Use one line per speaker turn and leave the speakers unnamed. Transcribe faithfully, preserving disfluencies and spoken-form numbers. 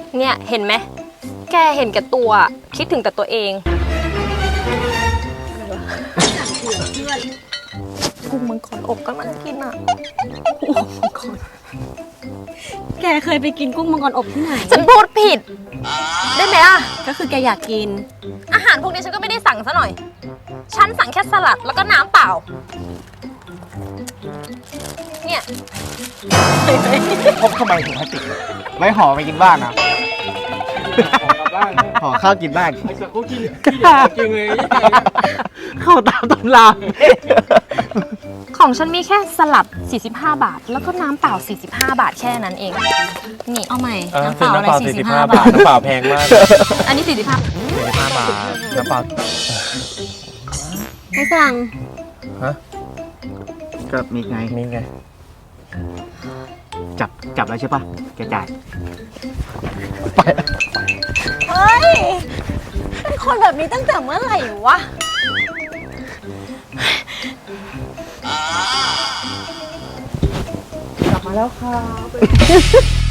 เนี่ยเห็นไหมแกเห็นแก่ตัวคิดถึงแต่ตัวเองกุ้งมังกรอบก็มันกินอ่ะ
แกเคยไปกินกุ้งมังกรอบที่ไหน
ฉันพูดผิดได้ไหมอ่ะ
ก็คือแกอยากกิน
อาหารพวกนี้ฉันก็ไม่ได้สั่งซะหน่อยฉันสั่งแค่สลัดแล้วก็น้ำเปล่าเนี่ย
พกทำไมถุงพลาสติกไม่ห่อไปกินบ้านนะห่อข้าวกินบ้าน
ไอ้สักเขากินกินจริงเลย
เข้าตามตำรา
ของฉันมีแค่สลัดสี่สิบห้าบาทแล้วก็น้ำเปล่าสี่สิบห้าบาทแค่นั้นเองนี่
เอาใหม่
เออ
น้ำเป
ซื้อ
ล่า
น้ำ
อะไร
เปล่า
สี่
สี่
สิ
สิ
บบ ห้า
ห้า
บา
บา
ท
ทน้ำเปล่าแพงมาก
อันนี้สี่สิบห้า
สี่สิบห้าบาทน้ำเปล่า
ให้สั่ง
ฮะ
ก็มีไง
นี่ไง
จับจับแล้วใช่ปะแกจ่าย
เฮ้ย เป็นคนแบบนี้ตั้งแต่เมื่อไหร่วะ
กลับมาแล้วค่ะ